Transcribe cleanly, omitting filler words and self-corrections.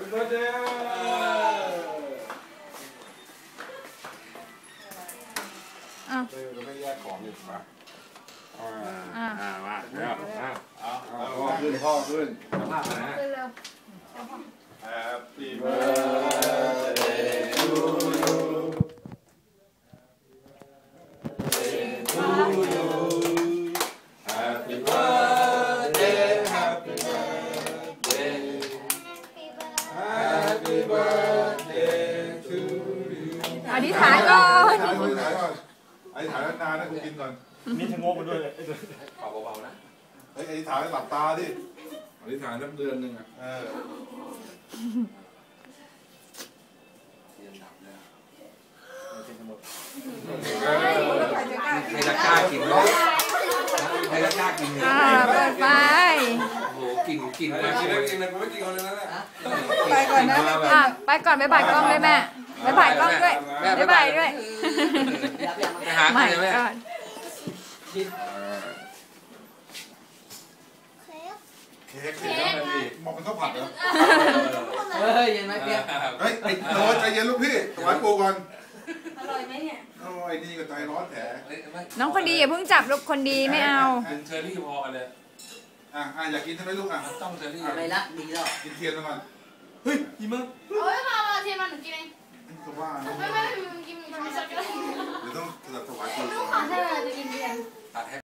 เบิร์ดเดย์เราไม่แยกของอีกปะมาเดี๋ยวพ่อขึ้นภาพนะ Happy birthday to you Happy birthday Happy birthday Happy birthday to you อธิษฐานก่อนอธิษฐานนานๆนะกูกินก่อนนี่ชะโงกไปด้วยเลยเบาๆนะเฮ้ยอธิษฐานหลับตาดิอธิษฐานสักเดือนหนึ่งอ่ะใครจะกล้ากินไหมใครจะกล้ากินเนี่ยเปิดไฟโอ้โหกินมากินเลยผมไม่กินคนเลยนะไปก่อนนะไปก่อนไปบ่ายกล้องด้วยแม่ไปบ่ายกล้องด้วยไปบ่ายด้วยไปหาใครแม่เค้กมองเป็นข้าวผัดเหรอเฮ้ยเย็นไหมเพียเฮ้ยโน้ตใจเย็นลูกพี่ถวายปูก่อนอร่อยไหมเนี่ยโอ้ยนี่ก็ใจร้อนแผลน้องคนดีอย่าเพิ่งจับลูกคนดีไม่เอาเป็นเชอรี่พอกันเลยอยากกินใช่ไหมลูกต้องเชอรี่อะไรละดีแล้วกินเทียนมาก่อนเฮ้ยกินมั้งโอ้ยมาเทียนมาหนูกินเองก็ว่าไม่กินทำไมสักก็ได้เดี๋ยวต้องถวายปูก่อนให้เราจะกินเทียน